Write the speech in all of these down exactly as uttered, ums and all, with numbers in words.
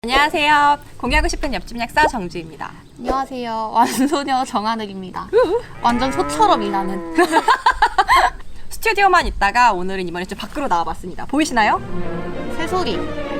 안녕하세요. 공유하고 싶은 옆집 약사 정주입니다. 안녕하세요. 완소녀 정하늘입니다. 완전 소처럼 일하는. 스튜디오만 있다가 오늘은 이번에 좀 밖으로 나와봤습니다. 보이시나요? 새소리.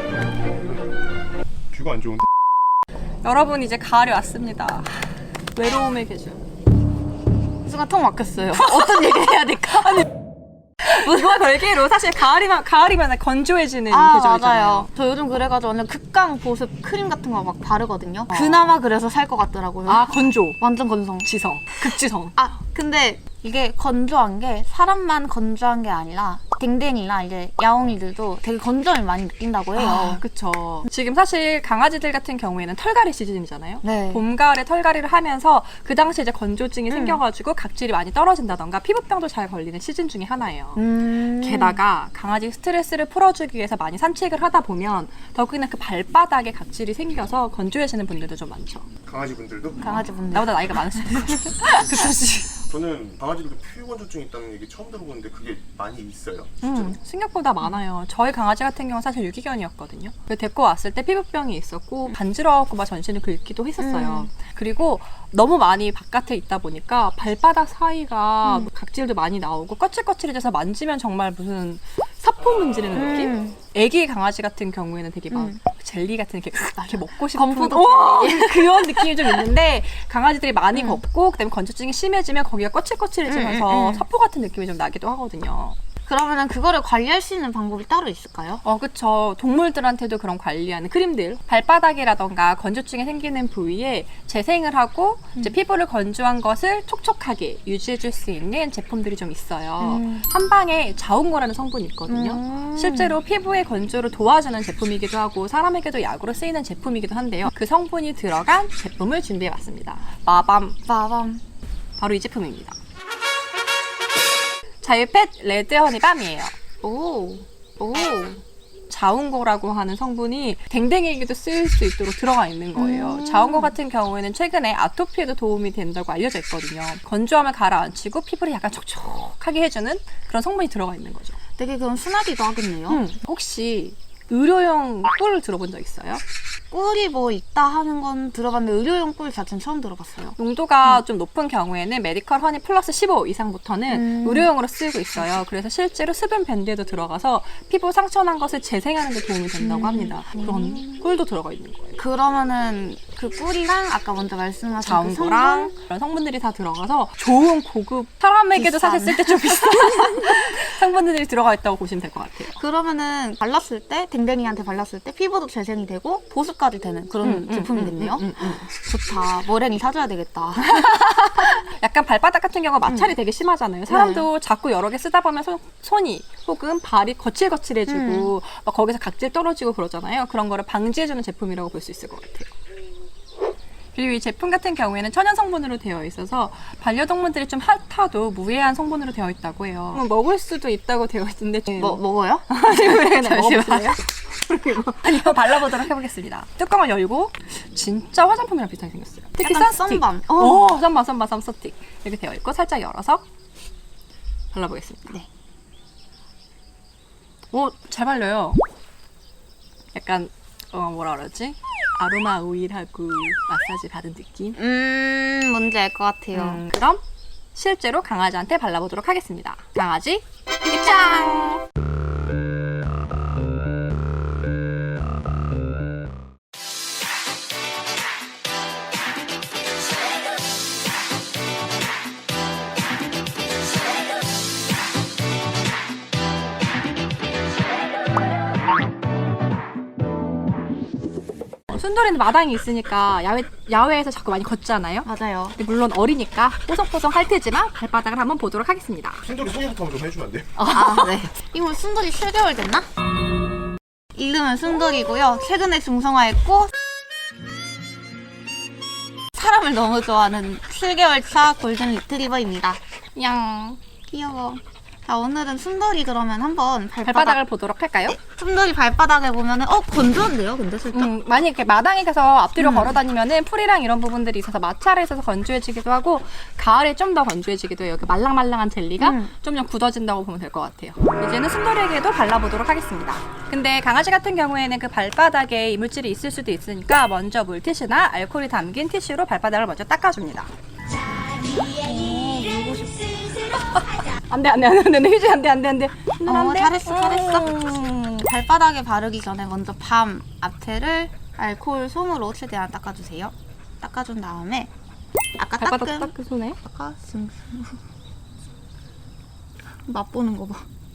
뷰가 안 좋은데? 여러분 이제 가을이 왔습니다. 외로움의 계절. 순간 통 막혔어요. 어떤 얘기를 해야 될까? 아니, 이거 별개로 사실 가을이면 가을이면 건조해지는 아, 계절이잖아요. 맞아요. 저 요즘 그래가지고 완전 극강 보습 크림 같은 거 막 바르거든요. 그나마 그래서 살 것 같더라고요. 아 건조, 완전 건성. 지성, 극지성. 아, 근데 이게 건조한 게 사람만 건조한 게 아니라 댕댕이나 이제 야옹이들도 되게 건조함을 많이 느낀다고 해요. 아, 그쵸. 지금 사실 강아지들 같은 경우에는 털갈이 시즌이잖아요. 네. 봄, 가을에 털갈이를 하면서 그 당시에 이제 건조증이 음. 생겨가지고 각질이 많이 떨어진다던가 피부병도 잘 걸리는 시즌 중에 하나예요. 음. 게다가 강아지 스트레스를 풀어주기 위해서 많이 산책을 하다 보면 더욱이나 그 발바닥에 각질이 생겨서 건조해지는 분들도 좀 많죠. 강아지 분들도? 강아지 분들. 나보다 나이가 많으실 거예요. 그치? 저는 강아지들도 피부건조증 있다는 얘기 처음 들어보는데 그게 많이 있어요. 실제로. 음, 생각보다 많아요. 저희 강아지 같은 경우는 사실 유기견이었거든요. 그래서 데리고 왔을 때 피부병이 있었고 간지러웠고 막 전신을 긁기도 했었어요. 음. 그리고 너무 많이 바깥에 있다 보니까 발바닥 사이가 음. 각질도 많이 나오고 거칠거칠해져서 만지면 정말 무슨 사포 문지르는 느낌? 음. 애기 강아지 같은 경우에는 되게 막 음. 젤리 같은 이렇게, 이렇게 먹고 싶은 건포도 오! 그런 느낌이 좀 있는데 강아지들이 많이 음. 걷고 그다음에 건조증이 심해지면 거기가 거칠거칠해지면서 음, 음, 음. 사포 같은 느낌이 좀 나기도 하거든요. 그러면은 그거를 관리할 수 있는 방법이 따로 있을까요? 어, 그쵸. 동물들한테도 그런 관리하는 크림들. 발바닥이라던가 건조증이 생기는 부위에 재생을 하고 이제 피부를 건조한 것을 촉촉하게 유지해줄 수 있는 제품들이 좀 있어요. 음. 한방에 자운거라는 성분이 있거든요. 음. 실제로 피부의 건조를 도와주는 제품이기도 하고 사람에게도 약으로 쓰이는 제품이기도 한데요. 그 성분이 들어간 제품을 준비해봤습니다. 마밤. 마밤. 바로 이 제품입니다. 자유펫 레드 허니밤이에요. 오. 오. 자운고라고 하는 성분이 댕댕이에게도 쓰일 수 있도록 들어가 있는 거예요. 음. 자운고 같은 경우에는 최근에 아토피에도 도움이 된다고 알려져 있거든요. 건조함을 가라앉히고 피부를 약간 촉촉하게 해주는 그런 성분이 들어가 있는 거죠. 되게 그럼 순하기도 하겠네요. 음, 혹시 의료용 꿀을 들어본 적 있어요? 꿀이 뭐 있다 하는 건 들어봤는데 의료용 꿀 자체는 처음 들어봤어요. 농도가 음. 좀 높은 경우에는 메디컬 허니 플러스 십오 이상부터는 음. 의료용으로 쓰이고 있어요. 그래서 실제로 수분 밴드에도 들어가서 피부 상처난 것을 재생하는 데 도움이 된다고 음. 합니다. 그런 꿀도 들어가 있는 거예요. 그러면은 그 꿀이랑 아까 먼저 말씀하신 그 자운고랑 성분? 그런 성분들이 다 들어가서 좋은 고급 사람에게도 비싼. 사실 쓸 때 좀 비싼 성분들이 들어가 있다고 보시면 될 것 같아요. 그러면은 발랐을 때 댕댕이한테 발랐을 때 피부도 재생이 되고 보습까지 되는 그런 음, 음, 제품이겠네요. 음, 음, 음. 좋다. 머랭이 사줘야 되겠다. 약간 발바닥 같은 경우가 마찰이 음. 되게 심하잖아요. 사람도 자꾸 여러 개 쓰다 보면 손, 손이 혹은 발이 거칠거칠해지고 음. 막 거기서 각질 떨어지고 그러잖아요. 그런 거를 방지해주는 제품이라고 볼 수 있을 것 같아요. 그리고 이 제품 같은 경우에는 천연 성분으로 되어 있어서 반려동물들이 좀 핫하도 무해한 성분으로 되어 있다고 해요. 뭐 먹을 수도 있다고 되어 있는데 뭐 먹어요? 잠시만요. 아니요, 발라보도록 해보겠습니다. 뚜껑을 열고 진짜 화장품이랑 비슷하게 생겼어요. 특히 약간 선스틱. 썬밤. 어. 오, 썬밤, 썬밤, 썬스틱 이렇게 되어 있고 살짝 열어서 발라보겠습니다. 네. 오, 잘 발려요. 약간 어 뭐라 그러지? 아로마 오일하고 마사지 받은 느낌. 음, 뭔지 알 것 같아요. 음, 그럼 실제로 강아지한테 발라보도록 하겠습니다. 강아지 입장! 순돌이는 마당이 있으니까 야외, 야외에서 자꾸 많이 걷잖아요. 맞아요. 근데 물론 어리니까 뽀송뽀송 할 테지만 발바닥을 한번 보도록 하겠습니다. 순돌이 소개부터 한번 좀 해주면 안 돼요? 아, 네. 이거 순돌이 칠 개월 됐나? 이름은 순돌이고요. 최근에 중성화했고 사람을 너무 좋아하는 칠 개월 차 골든 리트리버입니다. 양 귀여워. 자, 오늘은 순돌이 그러면 한번 발바닥, 발바닥을 보도록 할까요? 순돌이 발바닥에 보면은 어 건조한데요, 근데 살짝. 음, 만약 이렇게 마당에 가서 앞뒤로 음. 걸어 다니면은 풀이랑 이런 부분들이 있어서 마찰에 있어서 건조해지기도 하고 가을에 좀 더 건조해지기도 해요. 이렇게 말랑말랑한 젤리가 음. 좀 더 굳어진다고 보면 될 것 같아요. 이제는 순돌이에게도 발라보도록 하겠습니다. 근데 강아지 같은 경우에는 그 발바닥에 이물질이 있을 수도 있으니까 먼저 물티슈나 알코올이 담긴 티슈로 발바닥을 먼저 닦아줍니다. 안돼 안돼 안돼 안돼 휴지 안돼 안돼 안돼 어, 잘했어, 잘했어. 음. 발바닥에 바르기 전에 먼저 밤 앞에를 알코올 솜으로 최대한 닦아주세요. 닦아준 다음에 아까 발바닥 닦은 닦은 손에 아까 슴 맛보는 거 봐.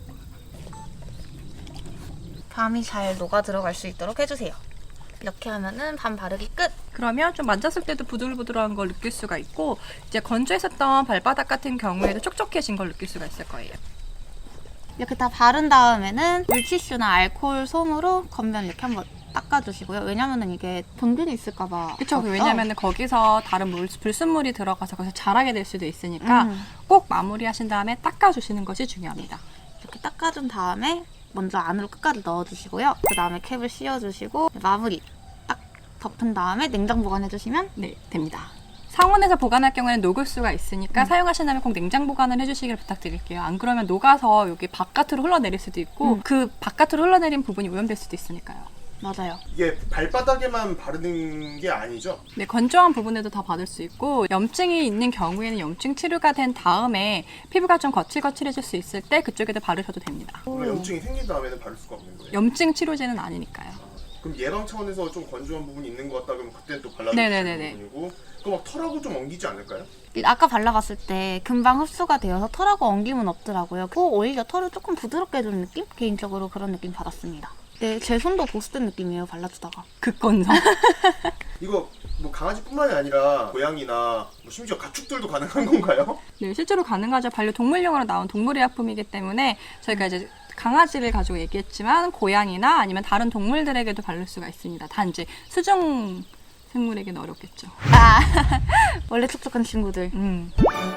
밤이 잘 녹아 들어갈 수 있도록 해주세요. 이렇게 하면은 밤 바르기 끝. 그러면 좀 만졌을 때도 부들부들한 걸 느낄 수가 있고 이제 건조했었던 발바닥 같은 경우에도 촉촉해진 걸 느낄 수가 있을 거예요. 이렇게 다 바른 다음에는 물티슈나 알코올 솜으로 겉면 이렇게 한번 닦아주시고요. 왜냐면은 이게 병균이 있을까봐. 그렇죠. 왜냐하면 거기서 다른 물, 불순물이 들어가서 거기서 자라게 될 수도 있으니까 음. 꼭 마무리하신 다음에 닦아주시는 것이 중요합니다. 이렇게 닦아준 다음에 먼저 안으로 끝까지 넣어주시고요. 그 다음에 캡을 씌워주시고 마무리 딱 덮은 다음에 냉장 보관해주시면 네, 됩니다. 상온에서 보관할 경우에는 녹을 수가 있으니까 음. 사용하신다면 꼭 냉장 보관을 해주시길 부탁드릴게요. 안 그러면 녹아서 여기 바깥으로 흘러내릴 수도 있고 음. 그 바깥으로 흘러내린 부분이 오염될 수도 있으니까요. 맞아요. 이게 발바닥에만 바르는 게 아니죠? 네, 건조한 부분에도 다 받을 수 있고 염증이 있는 경우에는 염증 치료가 된 다음에 피부가 좀 거칠거칠해질 수 있을 때 그쪽에도 바르셔도 됩니다. 그럼 염증이 생긴 다음에는 바를 수가 없는 거예요? 염증 치료제는 아니니까요. 그럼 예방 차원에서 좀 건조한 부분이 있는 것 같다 그러면 그때 또 발라주시는 네네네네. 부분이고 그럼 막 털하고 좀 엉기지 않을까요? 아까 발라봤을 때 금방 흡수가 되어서 털하고 엉김은 없더라고요. 그 오히려 털을 조금 부드럽게 해주는 느낌? 개인적으로 그런 느낌 받았습니다. 네, 제 손도 보습된 느낌이에요, 발라주다가. 극건성. 이거 뭐 강아지뿐만이 아니라 고양이나 뭐 심지어 가축들도 가능한 건가요? 네, 실제로 가능하죠. 반려동물용으로 나온 동물의약품이기 때문에 저희가 이제 강아지를 가지고 얘기했지만 고양이나 아니면 다른 동물들에게도 바를 수가 있습니다. 단지 수중 생물에게는 어렵겠죠. 아, 원래 촉촉한 친구들. 음.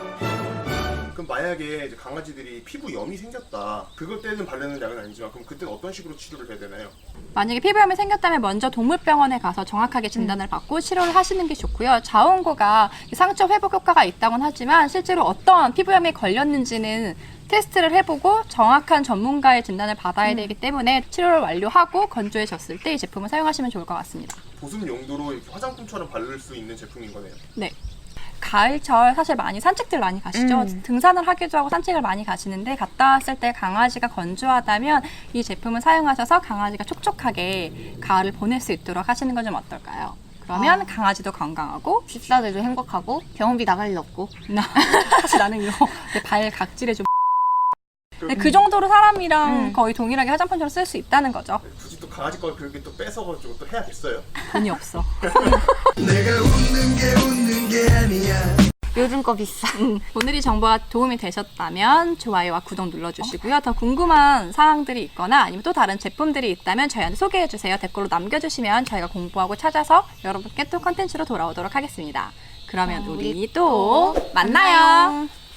그럼 만약에 이제 강아지들이 피부염이 생겼다 그것 때는 바르는 약은 아니지만 그럼 그때는 어떤 식으로 치료를 해야 되나요? 만약에 피부염이 생겼다면 먼저 동물병원에 가서 정확하게 진단을 받고 치료를 하시는 게 좋고요. 자원고가 상처 회복 효과가 있다고는 하지만 실제로 어떤 피부염이 걸렸는지는 테스트를 해보고 정확한 전문가의 진단을 받아야 되기 때문에 치료를 완료하고 건조해졌을 때 이 제품을 사용하시면 좋을 것 같습니다. 보습 용도로 이렇게 화장품처럼 바를 수 있는 제품인 거네요. 네. 가을철 사실 많이 산책들 많이 가시죠. 음. 등산을 하기도 하고 산책을 많이 가시는데 갔다 왔을 때 강아지가 건조하다면 이 제품을 사용하셔서 강아지가 촉촉하게 가을을 보낼 수 있도록 하시는 건 좀 어떨까요? 그러면 아. 강아지도 건강하고 집사들도 행복하고 병원비 나갈 일 없고. 나 사실 나는 이거 내 발 각질에 좀 근데 그 정도로 사람이랑 음. 거의 동일하게 화장품처럼 쓸 수 있다는 거죠. 굳이 또 강아지 걸 그렇게 또 뺏어가지고 또 해야겠어요? 돈이 없어. 내가 웃는 게 웃는 게 아니야. 요즘 거 비싸. 오늘이 정보가 도움이 되셨다면 좋아요와 구독 눌러주시고요. 더 궁금한 사항들이 있거나 아니면 또 다른 제품들이 있다면 저희한테 소개해주세요. 댓글로 남겨주시면 저희가 공부하고 찾아서 여러분께 또 컨텐츠로 돌아오도록 하겠습니다. 그러면 어, 우리 우리 또 또 만나요. 만나요.